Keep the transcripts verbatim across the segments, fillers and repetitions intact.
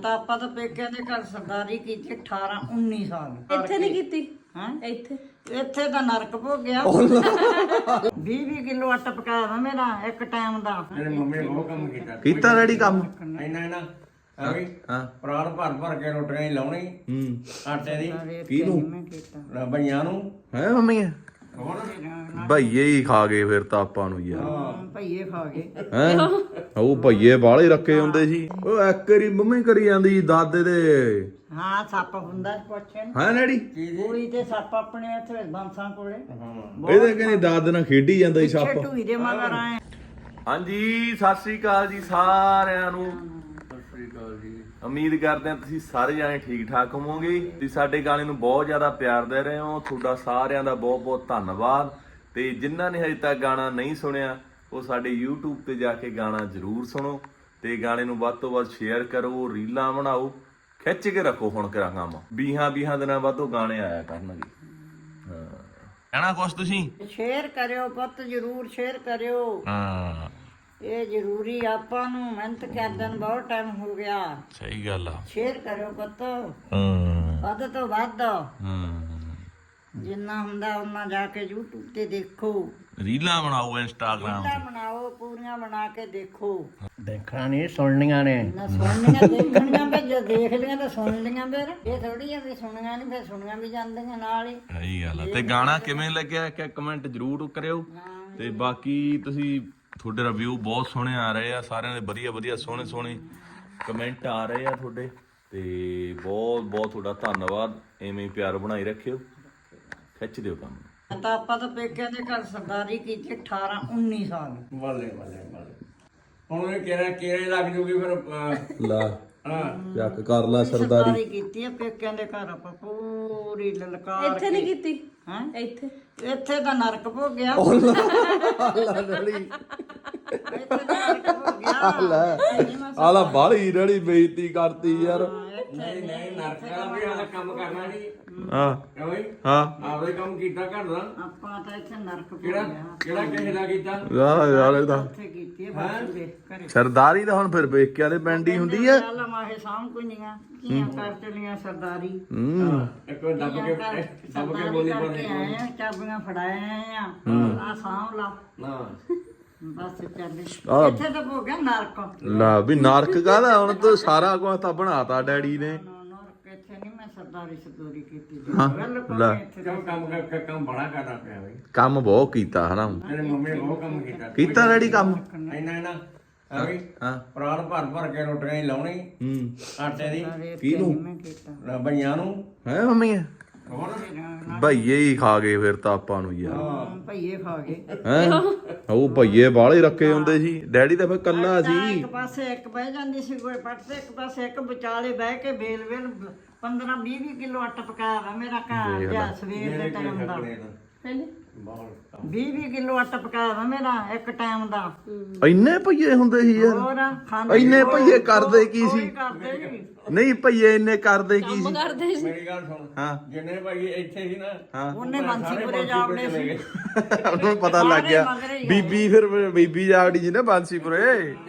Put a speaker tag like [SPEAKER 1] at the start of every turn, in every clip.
[SPEAKER 1] ਤਾਂ ਆਪਾਂ ਤਾਂ ਪੇਕਿਆਂ ਦੇ ਘਰ ਸਰਦਾਰੀ ਕੀਤੀ ਅਠਾਰਾਂ ਉੱਨੀ ਸਾਲ।
[SPEAKER 2] ਇੱਥੇ ਨਹੀਂ ਕੀਤੀ
[SPEAKER 1] ਹਾਂ
[SPEAKER 2] ਇੱਥੇ
[SPEAKER 1] ਇੱਥੇ ਤਾਂ ਨਰਕ ਭੋਗਿਆ। ਵੀਹ ਵੀਹ ਕਿਲੋ ਆਟਾ ਪਕਾਇਆ ਵਾ ਮੇਰਾ ਇੱਕ ਟਾਈਮ ਦਾ।
[SPEAKER 3] ਮੇਰੇ ਮੰਮੀ ਨੇ ਬਹੁਤ ਕੰਮ ਕੀਤਾ
[SPEAKER 4] ਕੀਤਾ ਰੈਡੀ ਕੰਮ
[SPEAKER 3] ਇੰਨਾ ਇੰਨਾ ਐਵੇਂ
[SPEAKER 4] ਹਾਂ
[SPEAKER 3] ਪ੍ਰਾਣ ਭਰ ਭਰ ਕੇ ਰੋਟੀਆਂ ਹੀ ਲਾਉਣੀ
[SPEAKER 4] ਹੂੰ
[SPEAKER 3] ਆਟੇ ਦੀ
[SPEAKER 4] ਕਿਹਨੂੰ
[SPEAKER 1] ਮੈਂ ਕੀਤਾ
[SPEAKER 3] ਬਈਆਂ ਨੂੰ
[SPEAKER 4] ਹੈ ਮੰਮੀ
[SPEAKER 3] ਹੋਰ
[SPEAKER 4] ਭਈਏ ਹੀ ਖਾ ਗਏ ਫਿਰ ਤਾਂ ਆਪਾਂ ਨੂੰ ਯਾਰ
[SPEAKER 1] ਹਾਂ, ਭਈਏ ਖਾ ਗਏ।
[SPEAKER 4] ਹੈ ਉਹ ਭਈਏ ਬਾਲੇ ਰੱਖੇ ਹੁੰਦੇ ਸੀ ਉਹ ਇੱਕ ਵਾਰੀ ਮੰਮੀ ਕਰੀ ਜਾਂਦੀ ਦਾਦੇ ਦੇ
[SPEAKER 1] ਹਾਂ ਸੱਪ ਹੁੰਦਾ ਪੁੱਛਣ
[SPEAKER 4] ਹੈ ਡੈਡੀ
[SPEAKER 1] ਪੂਰੀ ਤੇ ਸੱਪ ਆਪਣੇ ਇੱਥੇ ਬੰਸਾਂ ਕੋਲੇ।
[SPEAKER 4] ਇਹਦੇ ਕਹਿੰਦੇ ਦਾਦੇ ਨਾਲ ਖੇਡੀ ਜਾਂਦਾ ਸੀ
[SPEAKER 1] ਪਿੱਛੇ
[SPEAKER 4] ਸੱਪ।
[SPEAKER 1] ਢੂਈ ਦੇ ਮਗਰ ਆਏ।
[SPEAKER 4] ਹਾਂਜੀ ਸਤਿ ਸ੍ਰੀ ਅਕਾਲ ਜੀ ਸਾਰਿਆਂ ਨੂੰ। ਉਮੀਦ ਕਰਦੇ ਹਾਂ ਤੁਸੀਂ ਸਾਰੇ ਜਾਣੇ ਠੀਕ ਠਾਕ ਹੋਵੋਗੇ। ਤੁਸੀਂ ਸਾਡੇ ਗਾਣੇ ਨੂੰ ਬਹੁਤ ਜ਼ਿਆਦਾ ਪਿਆਰ ਦੇ ਰਹੇ ਹੋ, ਤੁਹਾਡਾ ਸਾਰਿਆਂ ਦਾ ਬਹੁਤ ਬਹੁਤ ਧੰਨਵਾਦ। ਤੇ ਜਿਨ੍ਹਾਂ ਨੇ ਹਜੇ ਤੱਕ ਗਾਣਾ ਨਹੀਂ ਸੁਣਿਆ ਉਹ ਸਾਡੇ YouTube ਤੇ ਜਾ ਕੇ ਗਾਣਾ ਜ਼ਰੂਰ ਸੁਣੋ ਤੇ ਗਾਣੇ ਨੂੰ ਵੱਧ ਤੋਂ ਵੱਧ ਸ਼ੇਅਰ ਕਰੋ, ਰੀਲਾਂ ਬਣਾਓ, ਖਿੱਚ ਕੇ ਰੱਖੋ। ਹੁਣ ਕਰਾਂ ਕੰਮ ਵੀਹਾਂ ਵੀਹਾਂ ਦਿਨਾਂ ਬਾਅਦ ਉਹ ਗਾਣੇ ਆਇਆ ਕਰਨਗੇ। ਹਾਂ ਕਹਿਣਾ ਕੁਛ ਤੁਸੀਂ
[SPEAKER 1] ਸ਼ੇਅਰ ਕਰਿਓ ਪੁੱਤ, ਜ਼ਰੂਰ ਸ਼ੇਅਰ ਕਰਿਓ।
[SPEAKER 4] ਹਾਂ
[SPEAKER 1] ਇਹ ਜ਼ਰੂਰੀ ਆਪਾਂ ਨੂੰ ਮਿਹਨਤ ਕਰਦਿਆਂ ਨੂੰ ਬਹੁਤ ਟਾਈਮ ਹੋ ਗਿਆ।
[SPEAKER 4] ਸਹੀ ਗੱਲ ਆ।
[SPEAKER 1] ਸ਼ੇਅਰ ਕਰਿਓ ਪੁੱਤ,
[SPEAKER 4] ਹਾਂ
[SPEAKER 1] ਵੱਧ ਤੋਂ ਵੱਧ
[SPEAKER 4] ਹਾਂ
[SPEAKER 1] ਜਿੰਨਾ ਹੁੰਦਾ ਉਹਨਾਂ ਜਾ ਕੇ YouTube ਤੇ ਦੇਖੋ,
[SPEAKER 4] ਰੀਲਾਂ ਬਣਾਓ, ਇੰਸਟਾਗ੍ਰਾਮ
[SPEAKER 1] ਰੀਲਾਂ ਬਣਾਓ, ਪੂਰੀਆਂ ਬਣਾ ਕੇ ਦੇਖੋ।
[SPEAKER 3] ਦੇਖਣਾ ਨਹੀਂ ਸੁਣਨੀਆਂ ਨੇ
[SPEAKER 1] ਨਾ ਸੁਣਨੀਆਂ ਦੇਖਣੀਆਂ, ਫਿਰ ਜੇ ਦੇਖ ਲਈਆਂ ਤਾਂ ਸੁਣ ਲਈਆਂ। ਫਿਰ ਇਹ ਥੋੜੀ ਆ ਵੀ ਸੁਣੀਆਂ ਨਹੀਂ, ਫਿਰ ਸੁਣੀਆਂ ਵੀ ਜਾਂਦੀਆਂ ਨਾਲ ਹੀ।
[SPEAKER 4] ਸਹੀ ਗੱਲ ਆ। ਤੇ ਗਾਣਾ ਕਿਵੇਂ ਲੱਗਿਆ ਇੱਕ ਕਮੈਂਟ ਜ਼ਰੂਰ ਕਰਿਓ। ਤੇ ਬਾਕੀ ਤੁਸੀਂ ਤੁਹਾਡੇ ਰਿਵਿਊ ਬਹੁਤ ਸੋਹਣੇ ਆ ਰਹੇ ਆ, ਸਾਰਿਆਂ ਦੇ ਵਧੀਆ ਵਧੀਆ ਸੋਹਣੇ ਸੋਹਣੇ ਕਮੈਂਟ ਆ ਰਹੇ ਆ ਤੁਹਾਡੇ। ਤੇ ਬਹੁਤ ਬਹੁਤ ਤੁਹਾਡਾ ਧੰਨਵਾਦ। ਐਵੇਂ ਹੀ ਪਿਆਰ ਬਣਾਈ ਰੱਖਿਓ, ਖਿੱਚ ਦਿਓ ਕੰਮ।
[SPEAKER 1] ਤਾਂ ਆਪਾਂ ਤਾਂ ਪੇਕਿਆਂ ਦੇ ਘਰ ਸਰਦਾਰੀ ਕੀਤੀ ਅਠਾਰਾਂ ਉੱਨੀ ਸਾਲ।
[SPEAKER 3] ਬੱਲੇ ਬੱਲੇ ਬੱਲੇ ਹੁਣ ਇਹ ਕਿਹੜਾ ਕਿਹੜੇ ਲੱਗ ਜੂਗੀ ਫਿਰ ਅਹ,
[SPEAKER 4] ਲਾ
[SPEAKER 3] ਹਾਂ
[SPEAKER 4] ਚੱਕ ਕਰ ਲਾ ਸਰਦਾਰੀ।
[SPEAKER 1] ਸਰਦਾਰੀ ਕੀਤੀ ਆ ਪੇਕਿਆਂ ਦੇ ਘਰ ਆਪਾਂ ਪੂਰੀ ਲਲਕਾਰ।
[SPEAKER 2] ਇੱਥੇ ਨਹੀਂ ਕੀਤੀ
[SPEAKER 1] ਹਾਂ
[SPEAKER 2] ਇੱਥੇ
[SPEAKER 1] ਇੱਥੇ ਤਾਂ ਨਰਕ ਭੋਗਿਆ।
[SPEAKER 4] ਲਾ ਡੜੀ
[SPEAKER 1] ਇੱਥੇ ਤਾਂ ਨਰਕ ਭੋਗਿਆ।
[SPEAKER 4] ਲੈ ਆਲਾ ਬਾਲੀ ਡੜੀ ਬੇਇੱਜ਼ਤੀ ਕਰਤੀ ਯਾਰ।
[SPEAKER 3] ਨਹੀਂ ਨਹੀਂ ਨਰਕਾਂ ਵੀ ਆਲਾ ਕੰਮ ਕਰਨਾ ਨਹੀਂ
[SPEAKER 4] ਹਾਂ
[SPEAKER 3] ਕਿਉਂ ਬਈ
[SPEAKER 4] ਹਾਂ
[SPEAKER 3] ਆਪਦੇ ਕੰਮ ਕੀਤਾ ਘਰ ਦਾ
[SPEAKER 1] ਆਪਾਂ ਤਾਂ ਇੱਥੇ ਨਰਕ
[SPEAKER 3] ਕਿਹੜਾ
[SPEAKER 1] ਭੋਗਿਆ।
[SPEAKER 3] ਕਿਹੜਾ ਕਿਸੇ ਦਾ ਕੀਤਾ
[SPEAKER 4] ਯਾਰ ਯਾਰ ਇਹਦਾ
[SPEAKER 1] ਇੱਥੇ ਕੀਤੀ ਆ ਬਾਪੂ ਦੇ ਘਰੇ।
[SPEAKER 4] ਸਰਦਾਰੀ ਤਾਂ ਹੁਣ ਫਿਰ ਵੇਖਿਆ ਦੇ ਪਿੰਡ ਹੀ ਹੁੰਦੀ ਆ।
[SPEAKER 1] ਚੱਲ ਮਾਹੇ ਸਾਂਭ ਕੁਈਆਂ ਕੀਆਂ ਕਰ ਚਲੀਆਂ ਸਰਦਾਰੀ।
[SPEAKER 4] ਹੂੰ
[SPEAKER 3] ਇੱਕ ਵਾਰ ਦੱਬ ਕੇ ਦੱਬ ਕੇ
[SPEAKER 1] ਸਰਦਾਰੀ
[SPEAKER 3] ਬੋਲੀ
[SPEAKER 1] ਕਰਕੇ
[SPEAKER 3] ਪਾਉਂਦੇ
[SPEAKER 1] ਆਏ ਆ, ਚਾਬੀਆਂ ਫੜਾਏ ਆਏ ਆ। ਆ ਸਾਂਭ ਲਾ
[SPEAKER 3] ਨਾ
[SPEAKER 1] ਬਸ ਚੱਲ।
[SPEAKER 4] ਆਹ।
[SPEAKER 1] ਇੱਥੇ ਤਾਂ ਭੋਗਿਆ ਨਰਕ।
[SPEAKER 4] ਲਾ ਵੀ ਨਰਕ ਕਾਹਦਾ ਹੁਣ ਤਾਂ ਸਾਰਾ ਕੁਝ ਤਾਂ ਬਣਾਤਾ ਡੈਡੀ ਨੇ।
[SPEAKER 1] ਨਰਕ ਇੱਥੇ ਨਹੀਂ ਮੈਂ ਸਰਦਾਰੀ ਸਰਦੂਰੀ ਕੀਤੀ।
[SPEAKER 4] ਹਾਂ,
[SPEAKER 1] ਬਿਲਕੁਲ
[SPEAKER 4] ਲੈ।
[SPEAKER 1] ਨਹੀਂ ਇੱਥੇ।
[SPEAKER 3] ਕਿਉਂ ਕੰਮ ਕਰ ਕੰਮ ਬੜਾ ਕਰਦਾ ਪਿਆ ਬਈ
[SPEAKER 4] ਕੰਮ ਬਹੁਤ ਕੀਤਾ ਹਨਾ।
[SPEAKER 3] ਮੇਰੇ ਮੰਮੀ ਨੇ ਬਹੁਤ ਕੰਮ ਕੀਤਾ
[SPEAKER 4] ਕੀਤਾ ਡੈਡੀ ਕੰਮ।
[SPEAKER 3] ਇੰਨਾ ਇੰਨਾ ਐਵੇਂ
[SPEAKER 4] ਹਾਂ
[SPEAKER 3] ਪ੍ਰਾਣ ਭਰ ਭਰ ਕੇ ਰੋਟੀਆਂ ਹੀ ਲਾਉਣੀ
[SPEAKER 4] ਹੂੰ
[SPEAKER 3] ਆਟੇ ਦੀ
[SPEAKER 4] ਕਿਹਨੂੰ
[SPEAKER 1] ਮੈਂ ਕੀਤਾ।
[SPEAKER 3] ਬਈਆਂ ਨੂੰ
[SPEAKER 4] ਹੈ ਮੰਮੀ
[SPEAKER 3] ਹੋਰ
[SPEAKER 4] ਭਈਏ ਹੀ ਖਾ ਗਏ ਫਿਰ ਤਾਂ ਆਪਾਂ ਨੂੰ ਯਾਰ।
[SPEAKER 1] ਹਾਂ, ਭਈਏ ਖਾ ਗਏ।
[SPEAKER 4] ਹੈ ਉਹ ਭਈਏ ਬਾਲੇ ਰੱਖੇ ਹੁੰਦੇ ਸੀ। ਡੈਡੀ ਤਾਂ ਫਿਰ ਕੱਲਾ
[SPEAKER 1] ਤਾਂ
[SPEAKER 4] ਸੀ।
[SPEAKER 1] ਇੱਕ ਪਾਸੇ ਇੱਕ ਬਹਿ ਜਾਂਦੀ ਸੀ ਕੋਈ ਪੱਟ ਤੇ, ਇੱਕ ਪਾਸੇ ਇੱਕ ਵਿਚਾਲੇ ਬਹਿ ਕੇ ਵੇਲ ਵੇਲ ਪੰਦਰਾਂ ਵੀਹ ਵੀਹ ਕਿਲੋ ਆਟਾ ਪਕਾਇਆ ਵਾ ਮੇਰਾ ਘਰ ਜਾਂ ਸਵੇਰ ਦੇ ਟਾਈਮ ਦਾ।
[SPEAKER 2] ਹਾਂਜੀ
[SPEAKER 3] ਬਹੁਤ
[SPEAKER 1] ਵੀਹ ਵੀਹ ਕਿਲੋ ਆਟਾ ਪਕਾਇਆ ਵਾ ਮੇਰਾ ਇੱਕ ਟਾਈਮ ਦਾ।
[SPEAKER 4] ਇੰਨੇ ਭਈਏ ਹੁੰਦੇ ਸੀ ਯਾਰ।
[SPEAKER 1] ਹੋਰ ਖਾਂਦੇ
[SPEAKER 4] ਇੰਨੇ ਭਈਏ ਕਰਦੇ ਕੀ
[SPEAKER 1] ਕੋਈ
[SPEAKER 4] ਸੀ?
[SPEAKER 1] ਕਰਦੇ ਨੀ।
[SPEAKER 4] ਨਹੀਂ ਭਈਏ ਇੰਨੇ ਕਰਦੇ ਕੀ ਸੀ?
[SPEAKER 2] ਕਰਦੇ ਸੀ
[SPEAKER 3] ਮੇਰੀ ਗੱਲ ਸੁਣ
[SPEAKER 4] ਹਾਂ
[SPEAKER 3] ਜਿੰਨੇ ਭਾਈ ਇੱਥੇ ਸੀ ਨਾ
[SPEAKER 4] ਹਾਂ
[SPEAKER 1] ਉਹਨੇ ਬਾਂਸੀਪੁਰੇ ਜਾ ਵੜੇ ਸੀ।
[SPEAKER 4] ਉਹਨੂੰ ਪਤਾ ਲੱਗ ਗਿਆ।
[SPEAKER 1] ਮਗਰ ਹੀ
[SPEAKER 4] ਬੀਬੀ ਫਿਰ ਬੀਬੀ ਜਾਵੜੀ ਜੀ ਨਾ ਬਾਂਸੀਪੁਰੇ।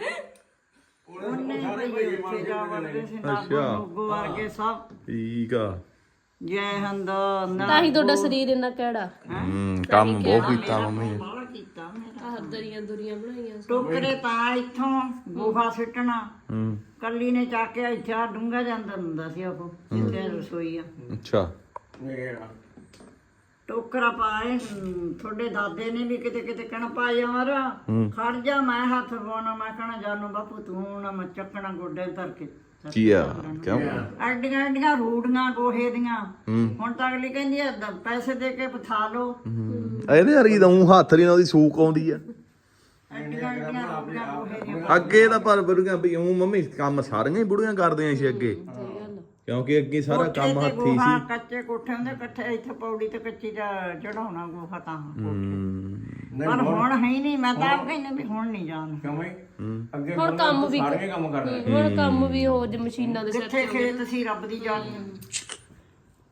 [SPEAKER 1] ਉਹਨੇ ਭਈਏ ਉੱਥੇ ਜਾ ਵੜਦੇ ਸੀ। ਨਾਗੋ ਨੁਗੋ ਵਰਗੇ ਸਭ।
[SPEAKER 4] ਠੀਕ ਆ।
[SPEAKER 1] ਜੈ ਹਿੰਦ।
[SPEAKER 2] ਤਾਂ ਹੀ ਤੁਹਾਡਾ ਸਰੀਰ ਇੰਨਾ ਕਿਹੜਾ
[SPEAKER 4] ਹੂੰ ਕੰਮ ਬਹੁਤ ਕੀਤਾ ਮੰਮੀ ਨੇ।
[SPEAKER 1] ਬਾਹਲਾ ਕੀਤਾ ਮੇਰਾ।
[SPEAKER 2] ਆਹ ਦਰੀਆਂ ਦੁਰੀਆਂ ਬਣਾਈਆਂ
[SPEAKER 1] ਟੋਕਰੇ ਤਾਂ ਇੱਥੋਂ ਗੋਹਾ ਸਿੱਟਣਾ
[SPEAKER 4] ਹੂੰ
[SPEAKER 1] ਕੱਲੀ ਨੇ ਚੱਕ ਕੇ ਇੱਥੇ ਆ ਡੂੰਘਾ ਜਾਂਦਾ ਹੁੰਦਾ ਸੀ ਉਹ ਜਿੱਥੇ ਰਸੋਈ ਆ।
[SPEAKER 4] ਅੱਛਾ
[SPEAKER 3] ਮੇਰਾ
[SPEAKER 1] ਟੋਕਰਾ ਪਾਏ ਹਮ, ਤੁਹਾਡੇ ਦਾਦੇ ਨੇ ਵੀ ਕਿਤੇ ਕਿਤੇ ਕਹਿਣਾ ਪਾ ਯਾਰ ਖੜ ਜਾ ਮੈਂ ਹੱਥ ਪਾਉਣਾ। ਮੈਂ ਕਹਿਣਾ ਜਾਨੂ ਬਾਪੂ ਤੂੰ ਨਾ ਮੈਂ ਚੱਕਣਾ ਗੋਡੇ ਧਰ ਕੇ।
[SPEAKER 4] ਕੀ ਆ ਕਿਉਂ?
[SPEAKER 1] ਐਡੀਆਂ ਐਡੀਆਂ ਰੂੜੀਆਂ ਗੋਹੇ ਦੀਆਂ। ਹੁਣ ਤਾਂ ਅਗਲੀ ਕਹਿੰਦੀ ਆ ਦ- ਪੈਸੇ ਦੇ ਕੇ ਪਥਾ ਲਓ।
[SPEAKER 4] ਇਹਦੇ ਵਰਗੀ ਤਾਂ ਊਂ ਹੱਥ ਨਹੀਂ ਉਹਦੀ ਸੂਕ ਆਉਂਦੀ ਆ।
[SPEAKER 1] ਐਡੀਆਂ ਐਡੀਆਂ ਰੂੜੀਆਂ ਗੋਹੇ ਦੀਆਂ।
[SPEAKER 4] ਅੱਗੇ ਤਾਂ ਪਰ ਬੁੜੀਆਂ ਵੀ ਊਂ ਮੰਮੀ ਕੰਮ ਸਾਰੀਆਂ ਹੀ ਬੁੜੀਆਂ ਕਰਦੀਆਂ ਸੀ ਅੱਗੇ, ਕਿਉਂਕਿ ਅੱਗੇ ਸਾਰਾ ਕੰਮ
[SPEAKER 1] ਕੋਠੇ ਤੇ
[SPEAKER 4] ਹੱਥੀ
[SPEAKER 1] ਗੋਹਾ
[SPEAKER 4] ਸੀ।
[SPEAKER 1] ਕੱਚੇ ਕੋਠੇ ਹੁੰਦੇ ਇਕੱਠੇ ਇੱਥੇ ਪੌੜੀ ਤੇ ਕੱਚੀ ਦਾ ਚੜਾਉਣਾ ਗੋਹਾ ਤਾਂ।
[SPEAKER 4] ਹੂੰ
[SPEAKER 1] ਪਰ ਹੁਣ ਹੈ ਹੀ ਨਹੀਂ। ਮੈਂ ਤਾਂ ਆਪ ਕਹਿੰਦੀ ਵੀ ਹੁਣ ਨਹੀਂ ਜਾਣ।
[SPEAKER 3] ਕਿਉਂ ਬਈ ਅੱਗੇ
[SPEAKER 2] ਹੁਣ ਕੰਮ ਵੀ
[SPEAKER 3] ਸਾਰੇ ਕੰਮ ਕਰਦੇ
[SPEAKER 2] ਹੁਣ ਕੰਮ ਵੀ ਹੋ ਜ ਮਸ਼ੀਨਾਂ ਦੇ ਸਿਰ
[SPEAKER 1] ਜਿੱਥੇ ਖੇਤ ਸੀ ਰੱਬ ਦੀ ਜਾਨ।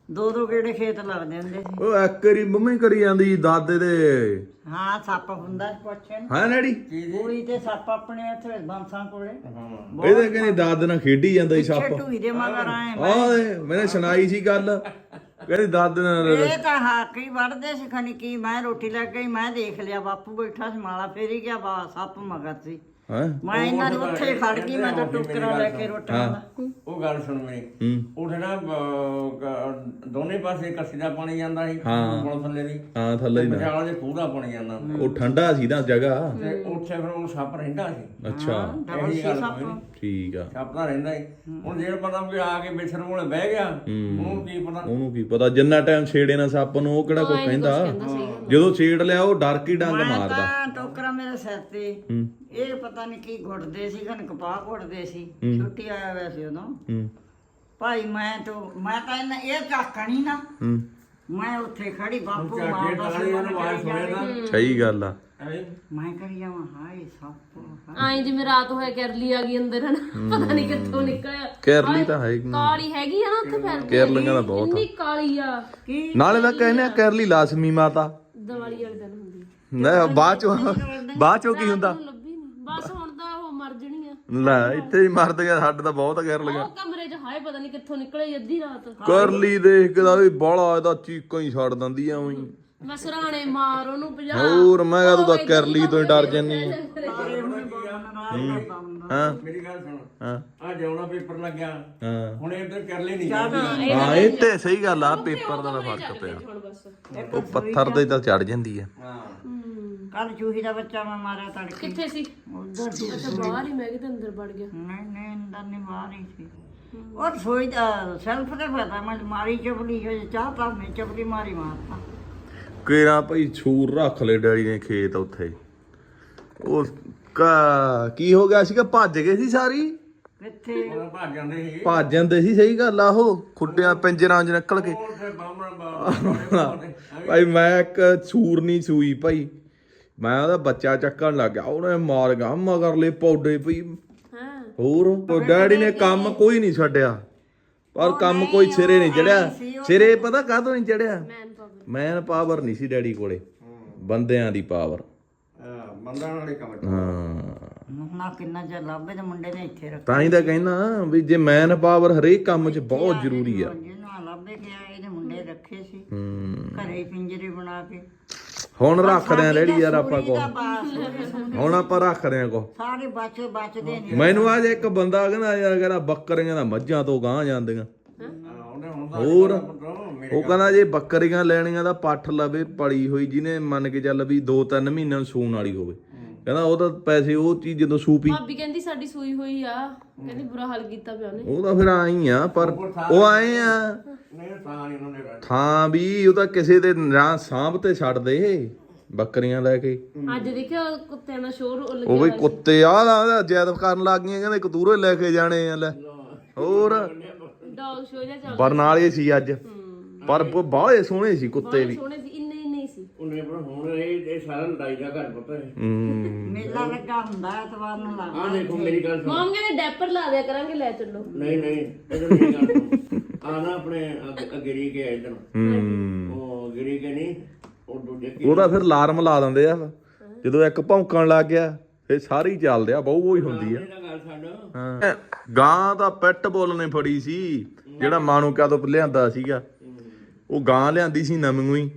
[SPEAKER 1] ਦੋ ਦੋ ਗੇੜੇ ਖੇਤ ਲੱਗਦੇ ਹੁੰਦੇ ਸੀ।
[SPEAKER 4] ਉਹ ਇੱਕ ਵਾਰੀ ਮੰਮੀ ਕਰੀ ਜਾਂਦੀ ਦਾਦੇ ਦੇ
[SPEAKER 1] ਹਾਂ ਸੱਪ ਹੁੰਦਾ ਸੀ ਪੁੱਛੇ ਨੂੰ
[SPEAKER 4] ਹਾਂ ਡੈਡੀ
[SPEAKER 1] ਕੁੜੀ ਤੇ ਸੱਪ ਆਪਣੇ ਇੱਥੇ ਬੰਸਾਂ ਕੋਲੇ
[SPEAKER 4] ਇਹਦੇ ਕਹਿੰਦੇ ਦਾਦੇ ਨਾਲ ਖੇਡੀ ਜਾਂਦਾ ਸੀ ਸੱਪ
[SPEAKER 1] ਢੂਈ ਦੇ ਮਗਰ ਆਏ
[SPEAKER 4] ਆਹ ਮੈਨੇ ਸੁਣਾਈ ਸੀ ਗੱਲ ਕਹਿੰਦੀ ਦਾਦੇ ਨਾਲ
[SPEAKER 1] ਇਹ ਤਾਂ ਹਾਕੀ ਵੜਦੇ ਸੀ ਖਣੀ ਕੀ ਮੈਂ ਰੋਟੀ ਲੈ ਗਈ ਮੈਂ ਦੇਖ ਲਿਆ ਬਾਪੂ ਬੈਠਾ ਸੀ ਮਾਲਾ ਫੇਰੀ ਗਿਆ ਬਾ ਸੱਪ ਮਗਰ ਸੀ
[SPEAKER 4] ਹਾਂ
[SPEAKER 1] ਮੈਂ ਇਹਨਾਂ ਨੂੰ ਉੱਥੇ ਖੜ ਗਈ ਮੈਂ ਤਾਂ ਟੋਕਰਾ ਲੈ ਕੇ ਰੋਟੀਆਂ ਦਾ
[SPEAKER 3] ਉਹ ਗੱਲ ਸੁਣ ਮੇਰੀ
[SPEAKER 4] ਹੂੰ
[SPEAKER 3] ਉੱਠਣਾ ਦੋਨੇ ਪਾਸੇ ਕੱਸੀ ਦਾ ਪਾਣੀ ਜਾਂਦਾ ਸੀ ਪੁਲ ਥੱਲੇ ਦੀ
[SPEAKER 4] ਹਾਂ ਥੱਲੇ ਹੀ ਨਾ
[SPEAKER 3] ਵਿਚਾਲੇ ਦੇ ਖੂਹ ਦਾ ਪਾਣੀ ਜਾਂਦਾ
[SPEAKER 4] ਉਹ ਠੰਡਾ ਸੀ ਨਾ ਜਗ੍ਹਾ
[SPEAKER 3] ਤੇ ਉੱਥੇ ਫਿਰ ਉਹ ਸੱਪ ਰਹਿੰਦਾ ਸੀ।
[SPEAKER 4] ਅੱਛਾ
[SPEAKER 3] ਇਹੀ ਗੱਲ ਕੋਈ ਨੀ।
[SPEAKER 4] ਠੀਕ ਆ
[SPEAKER 3] ਸੱਪ ਤਾਂ ਰਹਿੰਦਾ ਹੀ ਹੁਣ ਜੇ ਪਤਾ ਵੀ ਆ ਕੇ ਵਿਛੜ ਕੋਲੇ ਬਹਿ ਗਿਆ ਉਹਨੂੰ ਕੀ ਪਤਾ।
[SPEAKER 4] ਉਹਨੂੰ ਕੀ ਪਤਾ ਜਿੰਨਾ ਟਾਈਮ ਛੇੜੇ ਨਾ ਸੱਪ ਨੂੰ ਉਹ ਕਿਹੜਾ ਕੋਈ ਕਹਿੰਦਾ ਜਦੋਂ ਛੇੜ ਲਿਆ ਉਹ ਡਰ ਕੀ ਡੰਗ ਮਾਰਦਾ
[SPEAKER 1] ਤਾਂ ਟੋਕਰਾ ਮੇਰੇ ਸਿਰ ਤੇ
[SPEAKER 4] ਹੂੰ
[SPEAKER 1] ਇਹ ਪਤਾ ਨਹੀਂ ਕੀ ਘੁੱਟਦੇ ਸੀ ਖਨ ਕਪਾਹ ਘੁੱਟਦੇ ਸੀ ਛੁੱਟੀ ਆਇਆ ਹੋਇਆ ਸੀ ਉਦੋਂ
[SPEAKER 4] ਹੂੰ
[SPEAKER 1] ਭਾਈ ਮੈਂ ਤਾਂ ਮੈਂ ਤਾਂ ਇਹਨਾਂ ਇਹ ਝਾਕਣੀ ਨਾ
[SPEAKER 4] ਹੂੰ
[SPEAKER 1] ਮੈਂ ਉੱਥੇ ਖੜੀ ਬਾਪੂ
[SPEAKER 3] ਝਾਕੇ
[SPEAKER 1] ਮਾਰਦਾ
[SPEAKER 3] ਟਾਲੀ
[SPEAKER 1] ਸੀ
[SPEAKER 3] ਉਹਨੂੰ ਆਵਾਜ਼ ਸੁਣੇ ਨਾ
[SPEAKER 4] ਸਹੀ ਗੱਲ ਆ
[SPEAKER 3] ਐਵੇਂ
[SPEAKER 1] ਮੈਂ ਕਰੀ ਜਾਵਾਂ ਹਾਏ ਸੱਪ
[SPEAKER 2] ਆਏ ਜਿਵੇਂ ਰਾਤ ਹੋਇਆ ਕਰਲੀ ਆ ਗਈ ਅੰਦਰ ਹਨ ਪਤਾ ਨਹੀਂ ਕਿੱਥੋਂ ਨਿਕਲਿਆ
[SPEAKER 4] ਕੇਰਲੀ ਤਾਂ ਹੈ
[SPEAKER 2] ਕਾਲੀ ਹੈਗੀ ਆ ਨਾ ਉੱਥੇ ਫਿਰ
[SPEAKER 4] ਕੇਰਲੀਆਂ ਦਾ ਬਹੁਤ
[SPEAKER 2] ਇੰਨੀ ਕਾਲੀ ਆ
[SPEAKER 1] ਕੀ
[SPEAKER 4] ਨਾਲੇ ਤਾਂ ਕਹਿੰਦੇ ਆ ਕੇਰਲੀ ਲਾਜ਼ਮੀ ਮਾਤਾ
[SPEAKER 2] ਦੀਵਾਲੀ ਵਾਲੇ ਦਿਨ ਹੁੰਦੀ
[SPEAKER 4] ਨਾ ਬਾਅਦ ਚੋਂ ਬਾਅਦ ਚੋਂ ਕੀ ਹੁੰਦਾ
[SPEAKER 2] ਲੱਭੀ ਨਹੀਂ ਬਸ ਹੁਣ ਤਾਂ ਉਹ ਮਰ ਜਣੀ ਆ
[SPEAKER 4] ਲੈ ਇੱਥੇ ਹੀ ਮਰਦ ਗਿਆ ਸਾਡੇ ਤਾਂ ਬਹੁਤ ਕੇਰਲੀਆਂ
[SPEAKER 2] ਉਹ ਕਮਰੇ 'ਚ ਹਾਏ ਪਤਾ ਨਹੀਂ ਕਿੱਥੋਂ ਨਿਕਲੇ ਅੱਧੀ ਰਾਤ
[SPEAKER 4] ਕਰਲੀ ਦੇਖ ਕੇ ਤਾਂ ਵੀ ਬਾਲਾ ਇਹਦਾ ਚੀਕਾਂ ਹੀ ਛੱਡ ਦਿੰਦੀ ਆ ਉਹੀ
[SPEAKER 2] ਮੈਂ ਸਰਾਣੇ ਮਾਰ ਉਹਨੂੰ ਪੰਜਾਹ
[SPEAKER 4] ਹੋਰ ਮੈਂ ਕਹਾਂ ਤੂੰ ਤਾਂ ਕਰਲੀ ਤੋਂ ਹੀ ਡਰ ਜੰਨੀ ਆ ਹਾਂ
[SPEAKER 3] ਮੇਰੀ ਗੱਲ ਸੁਣ
[SPEAKER 4] ਹਾਂ
[SPEAKER 3] ਆ ਜਾਉਣਾ ਪੇਪਰ ਲੱਗਿਆ
[SPEAKER 4] ਹਾਂ
[SPEAKER 3] ਹੁਣ ਇੱਧਰ ਕਰ ਲਈ ਨਹੀਂ ਜਾਂਦੀ
[SPEAKER 4] ਹਾਂ ਇਹ ਤੇ ਸਹੀ ਗੱਲ ਆ ਪੇਪਰ ਦਾ ਤਾਂ ਫਰਕ ਪਿਆ
[SPEAKER 2] ਹੁਣ ਬਸ
[SPEAKER 4] ਉਹ ਪੱਥਰ ਦੇ ਤਾਂ ਚੜ ਜਾਂਦੀ ਆ
[SPEAKER 3] ਹਾਂ
[SPEAKER 1] ਕੱਲ ਚੂਹੀ ਦਾ ਬੱਚਾ ਮੈਂ ਮਾਰਿਆ ਤੜਕੇ
[SPEAKER 2] ਕਿੱਥੇ ਸੀ
[SPEAKER 1] ਉਧਰ ਸੀ
[SPEAKER 2] ਅੱਛਾ ਬਾਹਰ ਹੀ ਮੈਂ ਕਿਤੇ ਅੰਦਰ ਵੜ ਗਿਆ
[SPEAKER 1] ਨਹੀਂ ਨਹੀਂ ਅੰਦਰ ਨਹੀਂ ਬਾਹਰ ਹੀ ਸੀ ਉਹ ਸੋਈ ਦਾ ਸੈਲਫ ਤੇ ਪਤਾ ਮੈਂ ਮਾਰੀ ਚਪਲੀ ਹੋ ਚਾਹ ਤਾਂ ਮੈਂ ਚਪਲੀ ਮਾਰੀ ਮਾਰਤਾ
[SPEAKER 4] ਕਿਹੜਾ ਭਾਈ ਛੂਰ ਰੱਖ ਲੈ ਡੈਡੀ ਨੇ ਖੇਤ ਉੱਥੇ ਉਹ ਕਾ ਕੀ ਹੋ ਗਿਆ ਸੀਗਾ ਭੱਜ ਗਏ ਸੀ ਸਾਰੀ
[SPEAKER 1] ਕਿੱਥੇ
[SPEAKER 3] ਉਹ ਭੱਜ ਜਾਂਦੇ ਸੀ
[SPEAKER 4] ਭੱਜ ਜਾਂਦੇ ਸੀ ਸਹੀ ਗੱਲ ਆ ਉਹ ਖੁੱਡਿਆਂ ਪਿੰਜਰਾਂ 'ਚ ਨਿਕਲ ਕੇ
[SPEAKER 3] ਉੱਥੇ ਬਾਹਮਣ
[SPEAKER 4] ਭਾਈ ਮੈਂ ਇੱਕ ਛੂਰ ਨਹੀਂ ਸੂਈ ਭਾਈ ਮੈਂ ਉਹਦਾ ਬੱਚਾ ਚੱਕਣ ਲੱਗ ਗਿਆ ਉਹਨੇ ਮਾਰ ਗਿਆ ਮਗਰਲੇ ਪੌਡੇ ਪਈ
[SPEAKER 2] ਹਾਂ
[SPEAKER 4] ਹੋਰ ਉਹ ਡੈਡੀ ਨੇ ਕੰਮ ਕੋਈ ਨਹੀਂ ਛੱਡਿਆ ਪਰ ਕੰਮ ਕੋਈ ਸਿਰੇ ਨਹੀਂ ਚੜਿਆ ਸਿਰੇ ਪਤਾ ਕਾਹਤੋਂ ਨਹੀਂ ਚੜਿਆ
[SPEAKER 2] ਮੈਨ ਪਾਵਰ
[SPEAKER 4] ਮੈਨ ਪਾਵਰ ਨਹੀਂ ਸੀ ਡੈਡੀ ਕੋਲੇ ਬੰਦਿਆਂ ਦੀ ਪਾਵਰ
[SPEAKER 3] ਬੰਦਾਂ ਵਾਲੇ ਕੰਮ
[SPEAKER 4] ਹਾਂ
[SPEAKER 1] ਨਾ ਕਿੰਨਾ ਚਿਰ ਲੱਭੇ ਤੇ ਮੁੰਡੇ ਨੇ ਇੱਥੇ ਰੱਖ
[SPEAKER 4] ਤਾਂ ਹੀ ਤਾਂ ਕਹਿੰਦਾ ਵੀ ਜੇ ਮੈਨ ਪਾਵਰ ਹਰੇਕ ਕੰਮ 'ਚ ਬਹੁਤ ਜ਼ਰੂਰੀ ਆ
[SPEAKER 1] ਜਿਹਨੂੰ ਲੱਭੇ ਗਿਆ ਇਹਦੇ ਮੁੰਡੇ ਰੱਖੇ ਸੀ
[SPEAKER 4] ਹੂੰ
[SPEAKER 1] ਘਰੇ ਹੀ ਪਿੰਜਰੇ ਬਣਾ ਕੇ
[SPEAKER 4] ਹੁਣ ਰੱਖਦੇ ਆ ਡੈਡੀ ਯਾਰ ਆਪਾਂ ਕੋ
[SPEAKER 1] ਤਾਂ ਬਸ
[SPEAKER 4] ਹੁਣ ਆਪਾਂ ਰੱਖਦੇ ਆ ਕੋ
[SPEAKER 1] ਸਾਰੇ ਬਚੇ ਬਚਦੇ ਨੇ
[SPEAKER 4] ਮੈਨੂੰ ਅੱਜ ਇੱਕ ਬੰਦਾ ਕਹਿੰਦਾ ਯਾਰ ਕਹਿੰਦਾ ਬੱਕਰੀਆਂ ਦਾ ਮੱਝਾਂ ਤੋਂ ਗਾਂ ਜਾਂਦੀਆਂ
[SPEAKER 3] ਉਹਨੇ ਹੁਣ
[SPEAKER 4] ਹੋਰ
[SPEAKER 3] ਮੇਰੇ
[SPEAKER 4] ਉਹ ਕਹਿੰਦਾ ਜੇ ਬੱਕਰੀਆਂ ਲੈਣੀਆਂ ਤਾਂ ਪੱਠ ਲਵੇ ਪਲੀ ਹੋਈ ਜਿਹਨੇ ਮੰਨ ਕੇ ਚੱਲ ਵੀ ਦੋ ਤਿੰਨ ਮਹੀਨਿਆਂ ਨੂੰ ਸੂਣ ਵਾਲੀ ਹੋਵੇ ਕਹਿੰਦਾ ਉਹ ਤਾਂ ਪੈਸੇ ਉਹ ਚੀਜ਼ ਜਦੋਂ ਸੂਪੀ
[SPEAKER 2] ਭਾਬੀ ਕਹਿੰਦੀ ਸਾਡੀ ਸੂਈ ਹੋਈ ਆ ਕਹਿੰਦੀ ਬੁਰਾ ਹਾਲ ਕੀਤਾ ਪਿਆ ਉਹਨੇ
[SPEAKER 4] ਉਹ ਤਾਂ ਫਿਰ ਆਈ ਆ ਪਰ ਉਹ ਆਏ ਆ
[SPEAKER 3] ਨਹੀਂ ਤਾਂ ਨਹੀਂ ਉਹਨੇ ਰਹਿਣਾ।
[SPEAKER 4] ਥਾਂ ਵੀ ਉਹ ਤਾਂ ਕਿਸੇ ਦੇ ਨਾ ਸਾਂਭ ਤੇ ਛੱਡ ਦੇ ਬੱਕਰੀਆਂ ਲੈ ਕੇ
[SPEAKER 2] ਅੱਜ ਦੇਖਿਆ ਕੁੱਤਿਆਂ ਦਾ ਸ਼ੋਰ ਲੱਗਿਆ
[SPEAKER 4] ਉਹ ਵੀ ਕੁੱਤੇ ਆ ਦਾ ਜੈਦ ਕਰਨ ਲੱਗ ਗਈਆਂ ਕਹਿੰਦੇ ਕਤੂਰੇ ਲੈ ਕੇ ਜਾਣੇ ਆ ਲੈ ਹੋਰ
[SPEAKER 2] ਡੌਗ ਸ਼ੋ ਜਿਹਾ ਚੱਲ
[SPEAKER 4] ਬਰਨਾਲੇ ਸੀ ਅੱਜ ਪਰ ਬਾਹਲੇ ਸੋਹਣੇ ਸੀ ਕੁੱਤੇ ਵੀ
[SPEAKER 2] ਸੋਹਣੇ ਸੀ ਇੰਨੇ ਹੀ ਨਹੀਂ ਸੀ
[SPEAKER 3] ਉਹਨੇ ਪਰ ਹੁਣ ਇਹ ਇਹ ਸਾਰਾ ਲੜਾਈ ਦਾ ਘਰ ਪਤਾ ਹੈ
[SPEAKER 4] ਹੂੰ
[SPEAKER 1] ਮੇਲਾ ਲੱਗਾ ਹੁੰਦਾ ਐਤਵਾਰ ਨੂੰ
[SPEAKER 3] ਆਹ
[SPEAKER 1] ਲੱਗਦਾ
[SPEAKER 3] ਦੇਖੋ ਮੇਰੀ ਗੱਲ ਸੁਣ
[SPEAKER 2] ਮਾਮ ਕਹਿੰਦੇ ਡੈਪਰ ਲਾ ਦਿਆ ਕਰਾਂਗੇ ਲੈ ਚੱਲੋ
[SPEAKER 3] ਨਹੀਂ ਨਹੀਂ ਇਧਰ ਮੇਰੀ ਗੱਲ ਸੁਣ ਆ ਨਾ ਆਪਣੇ ਅਗਰੀ ਕੇ ਇਧਰ
[SPEAKER 4] ਹੂੰ
[SPEAKER 3] ਉਹ ਗਿਰੀ ਕੇ ਨਹੀਂ ਉਹ ਦੂਜੇ ਕੀ
[SPEAKER 4] ਉਹਦਾ ਫਿਰ ਅਲਾਰਮ ਲਾ ਦਿੰਦੇ ਆ ਜਦੋਂ ਇੱਕ ਭੌਂਕਣ ਲੱਗ ਗਿਆ ਫਿਰ ਸਾਰੀ ਚੱਲਦੇ ਆ ਬਹੁ ਬਹੁ ਹੀ ਹੁੰਦੀ ਆ
[SPEAKER 3] ਇਹਦਾ ਗੱਲ ਛੱਡ
[SPEAKER 4] ਹਾਂ ਗਾਂ ਦਾ ਪੈਟ ਬੁੱਲ ਨੇ ਫੜੀ ਸੀ ਜਿਹੜਾ ਮਾਨੂਕਾ ਤੋਂ ਲਿਆਂਦਾ ਸੀਗਾ ਉਹ ਗਾਂ ਲਿਆਂਦੀ ਸੀ ਨਵੀਂ ਹੀ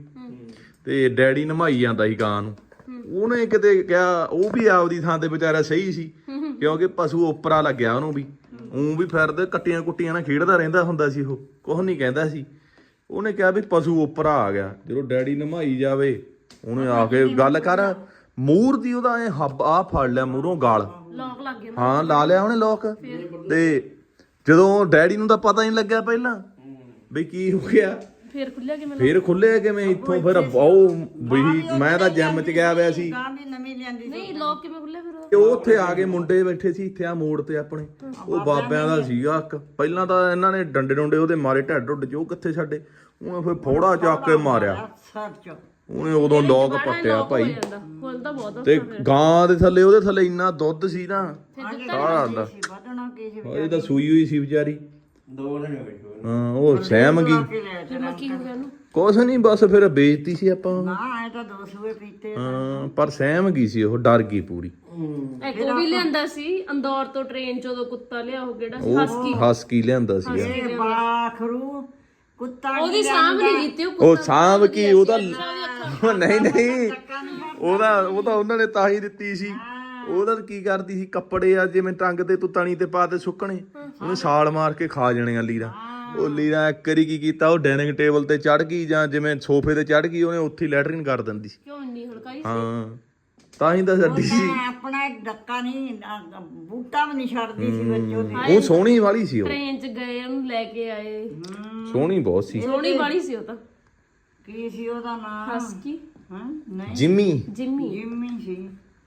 [SPEAKER 4] ਤੇ ਡੈਡੀ ਨਮਾਈ ਜਾਂਦਾ ਸੀ ਗਾਂ ਨੂੰ ਉਹਨੇ ਕਿਤੇ ਕਿਹਾ ਉਹ ਵੀ ਆਪਦੀ ਥਾਂ ਤੇ ਵਿਚਾਰਾ ਸਹੀ ਸੀ ਕਿਉਂਕਿ ਪਸ਼ੂ ਉਪਰਾ ਲੱਗਿਆ ਉਹਨੂੰ ਵੀ ਉਹ ਵੀ ਫਿਰਦੇ ਕੱਟੀਆਂ ਕੁੱਟੀਆਂ ਨਾਲ ਖੇਡਦਾ ਰਹਿੰਦਾ ਹੁੰਦਾ ਸੀ ਉਹ ਕੁਝ ਨਹੀਂ ਕਹਿੰਦਾ ਸੀ ਉਹਨੇ ਕਿਹਾ ਵੀ ਪਸ਼ੂ ਉਪਰਾ ਆ ਗਿਆ ਜਦੋਂ ਡੈਡੀ ਨਮਾਈ ਜਾਵੇ ਉਹਨੇ ਆ ਕੇ ਗੱਲ ਕਰ ਮੂਰ ਦੀ ਉਹਦਾ ਐ ਹੱਬ ਆ ਫੜ ਲਿਆ ਮੂਹਰੋਂ ਗਾਲ
[SPEAKER 2] ਲੌਕ ਲੱਗ ਗਿਆ
[SPEAKER 4] ਹਾਂ ਲਾ ਲਿਆ ਉਹਨੇ ਲੋਕ ਤੇ ਜਦੋਂ ਡੈਡੀ ਨੂੰ ਤਾਂ ਪਤਾ ਨਹੀਂ ਲੱਗਿਆ ਪਹਿਲਾਂ ਵੀ ਕੀ ਹੋ ਗਿਆ
[SPEAKER 2] ਫੇਰ ਖੁੱਲਿਆ ਕਿਵੇਂ
[SPEAKER 4] ਫੇਰ ਖੁੱਲਿਆ ਕਿਵੇਂ ਇੱਥੋਂ ਫਿਰ ਬਹੁ ਵੀ ਮੈਂ ਤਾਂ ਜਿਮ ਚ ਗਿਆ ਹੋਇਆ ਸੀ
[SPEAKER 1] ਗਾਂ ਵੀ ਨਵੀਂ ਲਿਆਂਦੀ ਸੀ
[SPEAKER 2] ਨਹੀਂ ਲੌਕ ਕਿਵੇਂ ਖੁੱਲਿਆ ਫਿਰ ਉਹ?
[SPEAKER 4] ਤੇ ਉਹ ਉੱਥੇ ਆ ਕੇ ਮੁੰਡੇ ਬੈਠੇ ਸੀ ਇੱਥੇ ਆ ਮੋੜ ਤੇ ਆਪਣੇ ਉਹ ਬਾਬਿਆਂ ਦਾ ਸੀਗਾ ਇੱਕ ਪਹਿਲਾਂ ਤਾਂ ਇਹਨਾਂ ਨੇ ਡੰਡੇ ਡੁੰਡੇ ਉਹਦੇ ਮਾਰੇ ਢੱਡ ਢੁੱਡ ਚ ਉਹ ਕਿੱਥੇ ਛੱਡੇ ਉਹਨੇ ਫਿਰ ਫੋੜਾ ਚੱਕ ਕੇ ਮਾਰਿਆ
[SPEAKER 1] ਸਰ ਚ
[SPEAKER 4] ਉਹਨੇ ਉਦੋਂ ਲੋਕ ਪੱਟਿਆ ਭਾਈ
[SPEAKER 2] ਖੁੱਲਦਾ ਬਹੁਤ
[SPEAKER 4] ਤੇ ਗਾਂ ਦੇ ਥੱਲੇ ਉਹਦੇ ਥੱਲੇ ਇੰਨਾ ਦੁੱਧ ਸੀ ਨਾ
[SPEAKER 1] ਸੀ ਵਧਣਾ ਕੀ ਸੀ
[SPEAKER 4] ਇਹ ਤਾਂ ਸੂਈ ਹੋਈ ਸੀ ਵਿਚਾਰੀ
[SPEAKER 3] ਦੋ ਦਿਨ ਵਿੱਚ ਹੋਏ।
[SPEAKER 4] ਹਾਂ ਉਹ ਸਹਿਮ ਗਈ
[SPEAKER 1] ਕਿ ਲੈ
[SPEAKER 2] ਫਿਰ ਮੈਂ ਕੀ ਹੋ ਗਿਆ ਉਹਨੂੰ
[SPEAKER 4] ਕੁਛ ਨਹੀਂ ਬਸ ਫਿਰ ਬੇਇੱਜ਼ਤੀ ਸੀ ਆਪਾਂ
[SPEAKER 1] ਨਾ ਐ ਤਾਂ ਦੋ ਸੂਏ ਪੀਤੇ ਆ।
[SPEAKER 4] ਹਾਂ ਪਰ ਸਹਿਮ ਗਈ ਸੀ ਉਹ ਡਰ ਗਈ ਪੂਰੀ
[SPEAKER 2] ਇੱਕ ਉਹ ਵੀ ਲਿਆਂਦਾ ਸੀ ਅੰਦੌਰ ਤੋਂ ਟ੍ਰੇਨ ਚ ਉਦੋਂ ਕੁੱਤਾ ਲਿਆ ਉਹ ਕਿਹੜਾ ਸੀ ਹਸਕੀ
[SPEAKER 4] ਹਸਕੀ ਲਿਆਂਦਾ ਸੀ
[SPEAKER 1] ਇਹ ਬਾਖਰੂ ਕੁੱਤਾ
[SPEAKER 2] ਉਹਦੀ ਸਾਂਭ ਨਹੀਂ ਕੀਤੀ ਉਹ
[SPEAKER 4] ਉਹ ਸਾਂਭ ਕੀ ਉਹਦਾ ਨਹੀਂ ਨਹੀਂ ਉਹਦਾ ਉਹ ਤਾਂ ਉਹਨਾਂ ਨੇ ਤਾਂ ਹੀ ਦਿੱਤੀ ਸੀ ਉਹਦਾ ਕੀ ਕਰਦੀ ਸੀ ਕੱਪੜੇ ਆ ਜਿਵੇਂ ਟੰਗ ਤੇ ਤੂੰ ਤਣੀ ਤੇ ਪਾ ਤੇ ਸੁੱਕਣੇ ਉਹਨੇ ਛਾਲ ਮਾਰ ਕੇ ਖਾ ਜਾਣੇ ਆ ਲੀਰਾ ਉਹ ਲੀਰਾ ਇੱਕ ਵਾਰੀ ਕੀ ਕੀਤਾ ਉਹ ਡਾਈਨਿੰਗ ਟੇਬਲ ਤੇ ਚੜ ਗਈ ਜਾਂ ਜਿਵੇਂ ਸੋਫੇ ਤੇ ਚੜ ਗਈ ਉਹਨੇ ਉੱਥੇ ਲੈਟਰਿਨ ਕਰ ਦਿੰਦੀ ਸੀ
[SPEAKER 2] ਕਿਉਂ ਨਹੀਂ ਹਲਕਾਈ
[SPEAKER 4] ਹਾਂ ਤਾਂ ਹੀ ਤਾਂ ਛੱਡੀ ਸੀ
[SPEAKER 1] ਮੈਂ ਆਪਣਾ ਡੱਕਾ ਨਹੀਂ ਅ, ਬੂਟਾ ਵੀ ਨਹੀਂ ਛੱਡਦੀ ਸੀ ਬੱਚੋ ਦੀ
[SPEAKER 4] ਉਹ ਸੋਹਣੀ ਵਾਲੀ ਸੀ ਉਹ
[SPEAKER 2] ਟ੍ਰੇਨ ਚ ਗਏ ਉਹਨੂੰ ਲੈ ਕੇ ਆਏ
[SPEAKER 4] ਸੋਹਣੀ ਬਹੁਤ ਸੀ
[SPEAKER 2] ਸੋਹਣੀ ਵਾਲੀ ਸੀ ਉਹ ਤਾਂ
[SPEAKER 1] ਕੀ ਸੀ ਉਹਦਾ ਨਾਮ
[SPEAKER 2] ਹਸਕੀ
[SPEAKER 1] ਹਾਂ ਨਹੀਂ
[SPEAKER 4] ਜਿੰਮੀ
[SPEAKER 2] ਜਿੰਮੀ
[SPEAKER 1] ਜਿੰਮੀ ਸੀ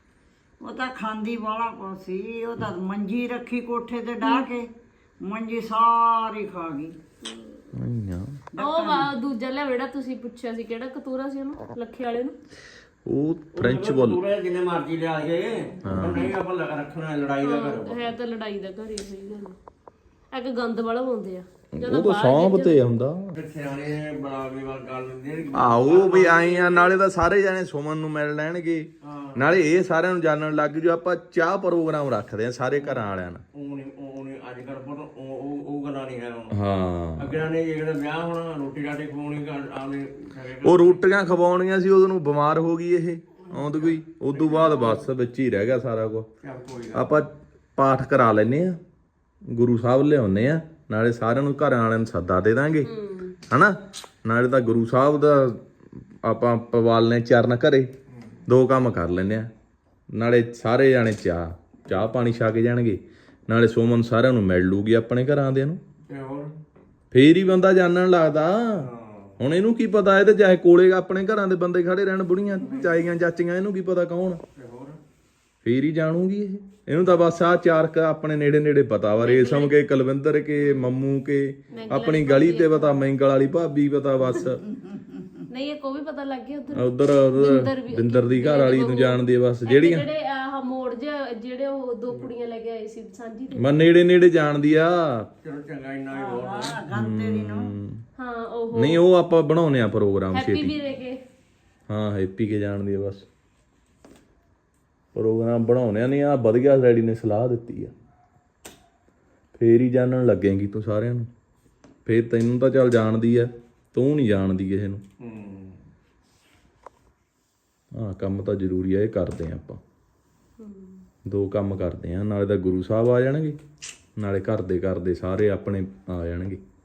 [SPEAKER 1] ਉਹ ਤਾਂ ਖਾਂਦੀ ਵਾਲਾ ਕੋ ਸੀ ਉਹ ਤਾਂ ਮੰਜੀ ਰੱਖੀ ਕੋਠੇ ਤੇ ਡਾਹ ਕੇ ਮੰਜੀ ਸਾਰੀ ਖਾ ਗਈ
[SPEAKER 4] ਆਈਆਂ
[SPEAKER 2] ਉਹ ਵਾ ਦੂਜਾ ਲਿਆ ਜਿਹੜਾ ਤੁਸੀਂ ਪੁੱਛਿਆ ਸੀ ਕਿਹੜਾ ਕਤੂਰਾ ਸੀ ਉਹਨੂੰ ਲੱਖੇ ਵਾਲੇ ਨੂੰ
[SPEAKER 4] ਉਹ ਫ੍ਰੈਂਚ ਬੋਲ
[SPEAKER 3] ਪੂਰੇ ਜਿੰਨੇ ਮਰਜ਼ੀ ਲਿਆ ਕੇ ਪਰ ਨਹੀਂ ਆਪਾਂ ਲ- ਰੱਖਣਾ ਲੜਾਈ ਦਾ ਘਰ
[SPEAKER 2] ਹੈ ਤਾਂ ਲੜਾਈ ਦਾ ਘਰ ਹੀ ਸਹੀ ਗੱਲ ਆ। ਇੱਕ ਗੰਦ ਵਾਲਾ ਹੁੰਦੇ ਆ
[SPEAKER 4] ਉਹ ਤਾਂ ਸੌਂਪ ਤੇ ਹੁੰਦਾ
[SPEAKER 3] ਫਿਰ ਸਿਆਣੇ ਬਣਾ ਕੇ ਗੱਲ ਕਰ ਲੈਂਦੇ ਨੇ
[SPEAKER 4] ਆਹੋ ਵੀ ਆਏ ਆ ਨਾਲੇ ਤਾਂ ਸਾਰੇ ਜਾਣੇ ਸੁਮਨ ਨੂੰ ਮਿਲ ਲੈਣਗੇ ਨਾਲੇ ਇਹ ਸਾਰਿਆਂ ਨੂੰ ਜਾਣਨ ਲੱਗ ਜੂ ਆਪਾਂ ਚਾਹ ਪ੍ਰੋਗਰਾਮ ਰੱਖਦੇ ਆ ਸਾਰੇ ਘਰਾਂ ਵਾਲਿਆਂ ਨਾਲ
[SPEAKER 3] ਉਹ ਨਹੀਂ ਉਹ ਨਹੀਂ ਅੱਜ ਕੱਲ ਪਰ ਉਹ ਉਹ ਉਹ ਗੱਲਾਂ ਨਹੀਂ ਹੈ ਹੁਣ
[SPEAKER 4] ਹਾਂ
[SPEAKER 3] ਅੱਗੇ ਨੇ ਜਿਹੜਾ ਵਿਆਹ ਹੋਣਾ ਰੋਟੀ ਰਾਟੀ ਖਵਾਉਣੀ ਆਵੇਂ
[SPEAKER 4] ਉਹ ਰੋਟੀਆਂ ਖਵਾਉਣੀਆਂ ਸੀ ਉਹਨੂੰ ਬਿਮਾਰ ਹੋ ਗਈ ਇਹ ਆਉਂਦ ਕੋਈ ਉਦੋਂ ਬਾਅਦ ਬਸ ਵਿੱਚ ਹੀ ਰਹਿ ਗਿਆ ਸਾਰਾ ਕੁਝ
[SPEAKER 3] ਕੋਈ
[SPEAKER 4] ਆਪਾਂ ਪਾਠ ਕਰਾ ਲੈਨੇ ਆ ਗੁਰੂ ਸਾਹਿਬ ਲਿਆਉਨੇ ਆ ਨਾਲੇ ਸਾਰਿਆਂ ਨੂੰ ਘਰਾਂ ਵਾਲਿਆਂ ਨੂੰ ਸੱਦਾ ਦੇ ਦਾਂਗੇ ਹਨਾ ਨਾਲੇ ਤਾਂ ਗੁਰੂ ਸਾਹਿਬ ਦਾ ਆਪਾਂ ਪਵਾਲਨੇ ਚਰਨ ਘਰੇ ਦੋ ਕੰਮ ਕਰ ਲੈਨੇ ਆ ਨਾਲੇ ਸਾਰੇ ਜਾਣੇ ਚਾਹ ਚਾਹ ਪਾਣੀ ਛਕ ਜਾਣਗੇ ਨਾਲੇ ਸੋਮਨ ਸਾਰਿਆਂ ਨੂੰ ਮਿਲ ਲੂਗੀ ਆਪਣੇ ਘਰਾਂ ਦੇ ਨੂੰ
[SPEAKER 3] ਤੇ ਹੋਰ
[SPEAKER 4] ਫੇਰ ਹੀ ਬੰਦਾ ਜਾਣਨ ਲੱਗਦਾ ਹੁਣ ਇਹਨੂੰ ਕੀ ਪਤਾ ਇਹ ਤੇ ਚਾਹੇ ਕੋਲੇ ਆਪਣੇ ਘਰਾਂ ਦੇ ਬੰਦੇ ਖੜੇ ਰਹਿਣ ਬੁੜੀਆਂ ਚਾਈਆਂ ਚਾਚੀਆਂ ਇਹਨੂੰ ਕੀ ਪਤਾ ਕੌਣ
[SPEAKER 3] ਤੇ ਹੋਰ
[SPEAKER 4] ਫੇਰ ਹੀ ਜਾਣੂਗੀ ਇਹ ਇਹਨੂੰ ਤਾਂ ਬਸ ਆ ਚਾਰ ਕ ਆਪਣੇ ਨੇੜੇ ਨੇੜੇ ਪਤਾ ਵਾ ਰੇਸ਼ਮ ਕੇ ਕੁਲਵਿੰਦਰ ਕੇ ਮੰਮੂ ਕੇ ਆਪਣੀ ਗਲੀ ਤੇ ਪਤਾ ਮੈਂਗਲ ਵਾਲੀ ਭਾਬੀ ਪਤਾ ਬਸ
[SPEAKER 2] ਨਹੀਂ ਇਹ ਕੋ ਵੀ ਪਤਾ ਲੱਗ ਗਿਆ ਉਧਰ
[SPEAKER 4] ਉਧਰ ਬਿੰਦਰ ਦੀ ਘਰ ਵਾਲੀ ਨੂੰ ਜਾਣਦੀ ਆ ਬਸ ਜਿਹੜੀਆਂ
[SPEAKER 2] ਜਿਹੜੇ ਆਹ ਮੋੜ ਜਿਹਾ ਜਿਹੜੇ ਉਹ ਦੋ ਕੁੜੀਆਂ ਲੈ ਕੇ ਆਏ ਸੀ ਸਾਂਝੀ ਤੇ
[SPEAKER 4] ਮੈਂ ਨੇੜੇ ਨੇੜੇ ਜਾਣਦੀ ਆ
[SPEAKER 3] ਚਲੋ ਚੰਗਾ ਇੰਨਾ ਹੀ ਬਹੁਤ ਹੈ
[SPEAKER 1] ਗੰਤੇ ਦੀ ਨੂੰ
[SPEAKER 2] ਹਾਂ ਉਹ
[SPEAKER 4] ਨਹੀਂ ਉਹ ਆਪਾਂ ਬਣਾਉਨੇ ਆ ਪ੍ਰੋਗਰਾਮ
[SPEAKER 2] ਹੈਪੀ
[SPEAKER 4] ਛੇਤੀ
[SPEAKER 2] ਵੀਰੇ ਕੇ
[SPEAKER 4] ਹਾਂ ਹੈਪੀ ਕੇ ਜਾਣਦੀ ਆ ਬਸ ਪ੍ਰੋਗਰਾਮ ਬਣਾਉਣੇ ਨਹੀਂ ਆ ਵਧੀਆ ਰੈਡੀ ਨੇ ਸਲਾਹ ਦਿੱਤੀ ਆ ਫੇਰ ਹੀ ਜਾਣਨ ਲੱਗੇਗੀ ਤੂੰ ਸਾਰਿਆਂ ਨੂੰ ਫੇਰ ਤੈਨੂੰ ਤਾਂ ਚੱਲ ਜਾਣਦੀ ਆ ਤੂੰ ਨਹੀਂ ਜਾਣਦੀ ਕਿਸੇ ਨੂੰ
[SPEAKER 3] ਹੂੰ
[SPEAKER 4] ਹਾਂ ਕੰਮ ਤਾਂ ਜ਼ਰੂਰੀ ਆ ਇਹ ਕਰਦੇ ਆ ਆਪਾਂ ਦੋ ਕੰਮ ਕਰਦੇ ਆ ਨਾਲੇ ਤਾਂ ਗੁਰੂ ਸਾਹਿਬ ਆ ਜਾਣਗੇ ਨਾਲੇ ਘਰ ਦੇ ਕਰਦੇ ਸਾਰੇ ਆਪਣੇ ਆ ਜਾਣਗੇ